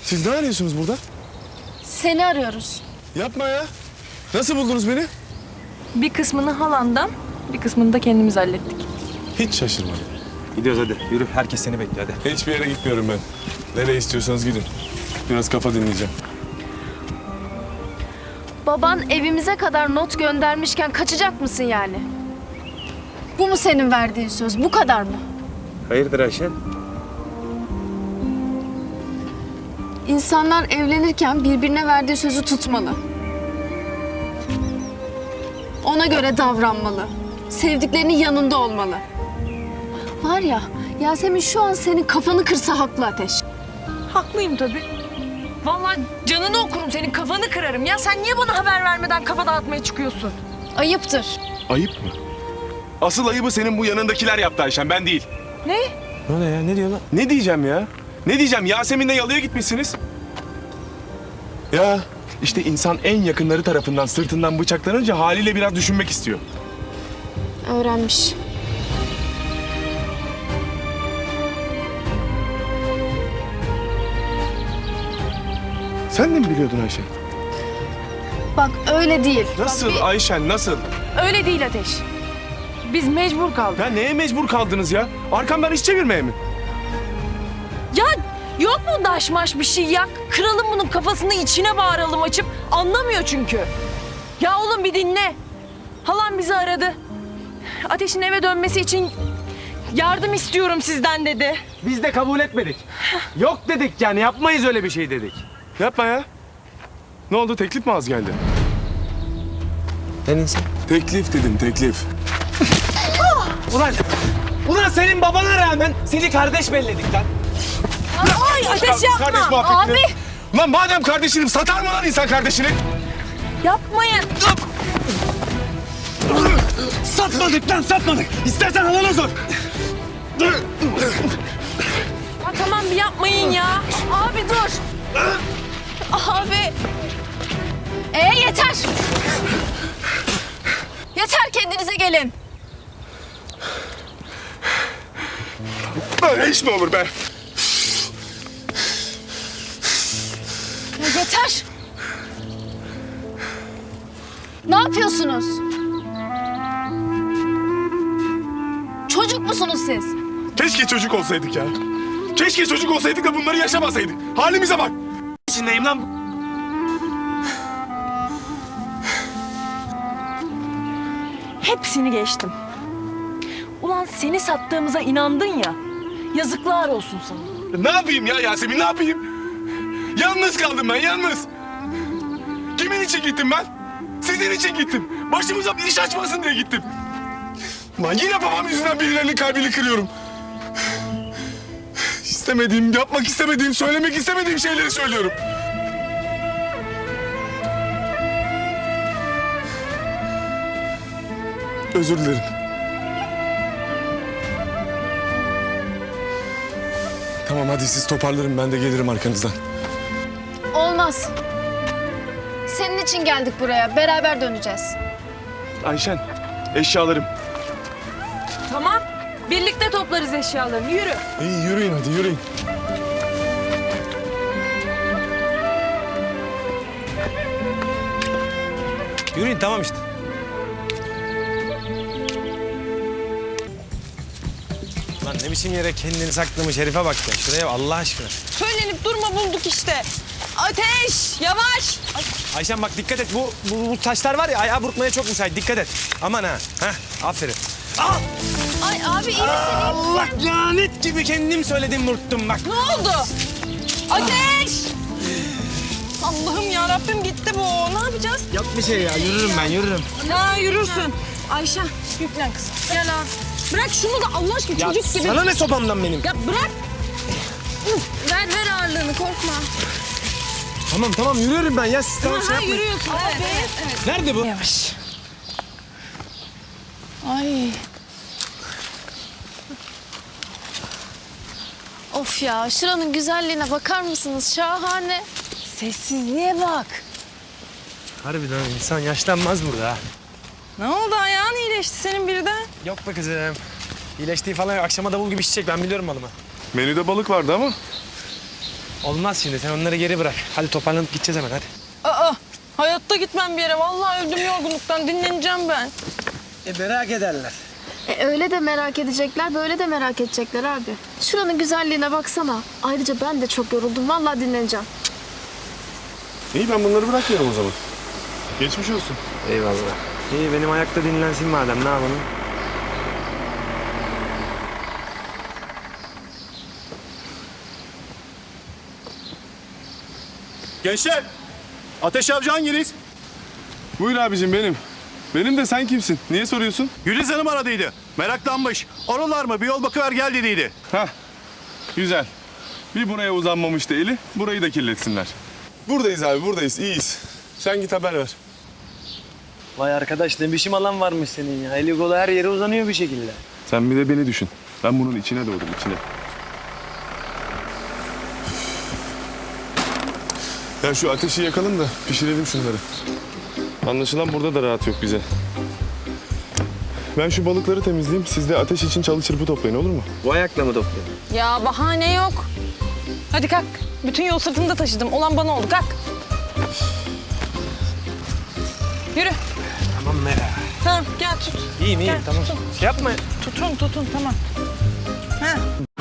Siz ne arıyorsunuz burada? Seni arıyoruz. Yapma ya. Nasıl buldunuz beni? Bir kısmını halandan, bir kısmını da kendimiz hallettik. Hiç şaşırmadım. Gidiyoruz hadi. Yürü. Herkes seni bekliyor hadi. Hiçbir yere gitmiyorum ben. Nereye istiyorsanız gidin. Biraz kafa dinleyeceğim. Baban evimize kadar not göndermişken kaçacak mısın yani? Bu mu senin verdiğin söz? Bu kadar mı? Hayırdır Ayşen? İnsanlar evlenirken birbirine verdiği sözü tutmalı. Ona göre davranmalı. Sevdiklerinin yanında olmalı. Var ya, Yasemin şu an senin kafanı kırsa haklı Ateş. Haklıyım tabii. Vallahi canını okurum, senin kafanı kırarım. Ya sen niye bana haber vermeden kafa dağıtmaya çıkıyorsun? Ayıptır. Ayıp mı? Asıl ayıbı senin bu yanındakiler yaptı Ayşen, ben değil. Ne? Ne oluyor ya? Ne diyor lan? Ne diyeceğim ya? Ne diyeceğim? Yasemin'le yalıya gitmişsiniz. Ya işte insan en yakınları tarafından sırtından bıçaklanınca haliyle biraz düşünmek istiyor. Öğrenmiş. Sen de mi biliyordun Ayşen? Bak öyle değil. Nasıl Bak, Ayşen, nasıl? Öyle değil Ateş. Biz mecbur kaldık. Ya neye mecbur kaldınız ya? Arkamdan iş çevirmeye mi? Ya yok mu daşmaş bir şey ya? Kıralım bunun kafasını, içine bağıralım açıp. Anlamıyor çünkü. Ya oğlum bir dinle. Halam bizi aradı. Ateş'in eve dönmesi için yardım istiyorum sizden dedi. Biz de kabul etmedik. Yok dedik yani yapmayız öyle bir şey dedik. Yapma ya. Ne oldu, teklif mi az geldi? Ne insan? Teklif dedim, teklif. Ulan senin babana rağmen seni kardeş belledik lan. Ay Ateş yapma. Kardeş muhabbetini. Lan madem kardeşinim, satar mı lan insan kardeşini? Yapmayın. Satmadık lan satmadık. İstersen alana sor. Ha, tamam bir yapmayın ya. Abi dur. Abi. Yeter. Yeter, kendinize gelin. Böyle iş mi olur be? Ya yeter. Ne yapıyorsunuz? Çocuk musunuz siz? Keşke çocuk olsaydık ya. Keşke çocuk olsaydık da bunları yaşamasaydık. Halimize bak. İçindeyim lan. Hepsini geçtim. Ulan seni sattığımıza inandın ya. Yazıklar olsun sana. Ne yapayım ya Yasemin, ne yapayım? Yalnız kaldım ben, yalnız. Kimin için gittim ben? Sizin için gittim. Başımıza bir iş açmasın diye gittim. Lan yine babam yüzünden birilerinin kalbini kırıyorum. İstemediğim, yapmak istemediğim, söylemek istemediğim şeyleri söylüyorum. Özür dilerim. Tamam hadi siz toparlarım, ben de gelirim arkanızdan. Olmaz. Senin için geldik buraya. Beraber döneceğiz. Ayşen, eşyalarım. Tamam. Birlikte toplarız eşyalarını. Yürü. İyi yürüyün hadi, yürüyün. Yürüyün tamam işte. Lan ne biçim yere kendini saklamış herife bak ya. Şuraya bak, Allah aşkına. Söylenip durma, bulduk işte. Ateş! Yavaş! Ayşen bak dikkat et. Bu taşlar var ya ayağı burkmaya çok müsait. Dikkat et. Aman ha. Heh, aferin. Al! Ay abi iyi misin? Allah lanet gibi kendim söyledim burktum bak. Ne oldu? Ateş! Allah'ım ya Rabbim gitti bu. Ne yapacağız? Yok bir şey ya. Yürürüm ben yürürüm. Ya yürürsün. Ayşe yüklen kızım. Gel abi. Bırak şunu da Allah aşkına Ya çocuk gibi. sana ne sopamdan benim? Ya bırak. Ver ağırlığını, korkma. Tamam yürüyorum ben ya. Siz tamam şey yapmayın. Yürüyorsun. Evet. Nerede bu? Yavaş. Ay. Of ya, şuranın güzelliğine bakar mısınız? Şahane. Sessizliğe bak. Harbiden insan yaşlanmaz burada ha. Ne oldu, ayağın iyileşti senin birden? Yok be kızım. İyileştiği falan yok. Akşama davul gibi şişecek. Ben biliyorum malımı. Menüde balık vardı ama Olmaz şimdi, sen onları geri bırak. Hadi toparlanıp gideceğiz hemen, hadi. Aa, hayatta gitmem bir yere. Vallahi öldüm yorgunluktan. Dinleneceğim ben. Merak ederler. Öyle de merak edecekler, böyle de merak edecekler abi. Şuranın güzelliğine baksana. Ayrıca ben de çok yoruldum. Vallahi dinleneceğim. İyi ben bunları bırakmıyorum o zaman. Geçmiş olsun. Eyvallah. İyi, benim ayakta dinlensin madem, ne yapalım? Gençler, Ateş Avcı hanginiz? Buyur abicim benim. Benim de sen kimsin? Niye soruyorsun? Güliz Hanım aradıydı. Meraklanmış. Oralar mı? Bir yol bakıver gel dediydi. Hah. Güzel. Bir buraya uzanmamıştı eli. Burayı da kirletsinler. Buradayız abi buradayız. İyiyiz. Sen git haber ver. Vay arkadaş, ne biçim alan varmış senin ya. Eli kolu her yere uzanıyor bir şekilde. Sen bir de beni düşün. Ben bunun içine doğdum içine. Ya şu ateşi yakalım da pişirelim şunları. Anlaşılan burada da rahat yok bize. Ben şu balıkları temizleyeyim. Siz de ateş için çalı çırpı toplayın olur mu? Bu ayakla mı topluyor? Ya bahane yok. Hadi kalk. Bütün yol sırtımda taşıdım. Olan bana oldu. Kalk. Yürü. Tamam Mera. Tamam gel tut. İyiyim, iyiyim, Gel, tamam. tutun. Şey yapma. Tutun tamam. Ha.